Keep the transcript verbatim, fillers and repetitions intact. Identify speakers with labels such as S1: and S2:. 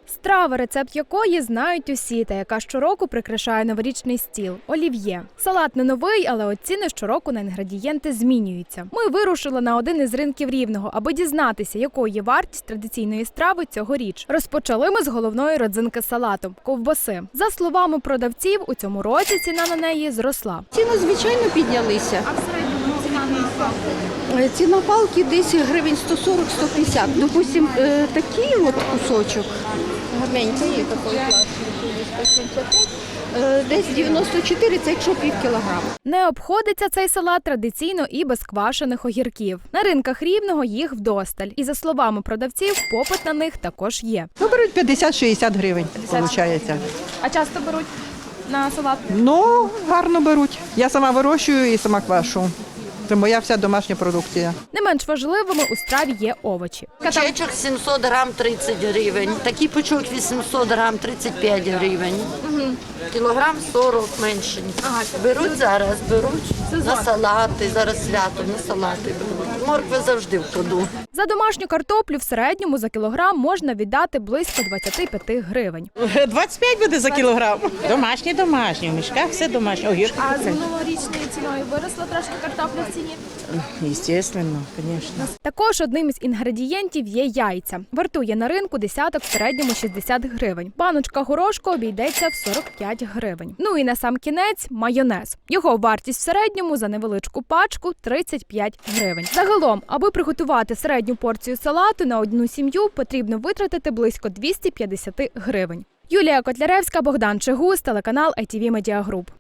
S1: Страва, рецепт якої знають усі, та яка щороку прикрашає новорічний стіл – олів'є. Салат не новий, але от ціни щороку на інгредієнти змінюються. Ми вирушили на один із ринків Рівного, аби дізнатися, якою є вартість традиційної страви цьогоріч. Розпочали ми з головної родзинки салату – ковбаси. За словами продавців, у цьому році ціна на неї зросла.
S2: Ціни, звичайно, піднялися.
S1: А в середньому ціна на
S2: Ціна палки десь гривень сто сорок - сто п'ятдесят. Допустим, е, такий от кусочок, гарненький, є такий класний, сто сімдесят п'ять, е, десь дев'яносто чотири, це якщо пів кілограма.
S1: Не обходиться цей салат традиційно і без квашених огірків. На ринках Рівного їх вдосталь. І за словами продавців, попит на них також є.
S3: Ну, беруть п'ятдесят-шістдесят гривень, виходить.
S1: А часто беруть на салат?
S3: Ну, гарно беруть. Я сама вирощую і сама квашу. Це моя вся домашня продукція.
S1: Не менш важливими у страві є овочі.
S4: Чечок сімсот грам тридцять гривень, такий пучок вісімсот грам тридцять п'ять гривень, кілограм сорок менше. Беруть зараз, беруть на салати, зараз свято, на салати беруть. Моркви завжди в ходу.
S1: За домашню картоплю в середньому за кілограм можна віддати близько двадцять п'ять гривень.
S5: двадцять п'ять буде за кілограм. Домашні, домашні, в мішках все домашнє. Огірки.
S1: А з минулорічною ціною виросла трошки картопля в ціні?
S5: Звісно, звісно.
S1: Також одним із інгредієнтів є яйця. Вартує на ринку десяток в середньому шістдесят гривень. Баночка горошку обійдеться в сорок п'ять гривень. Ну і на сам кінець майонез. Його вартість в середньому за невеличку пачку тридцять п'ять гривень. Загалом, аби приготувати середню порцію салату на одну сім'ю, потрібно витратити близько двісті п'ятдесят гривень. Юлія Котляревська, Богдан Чигус, телеканал ай ті ві Медіа Груп.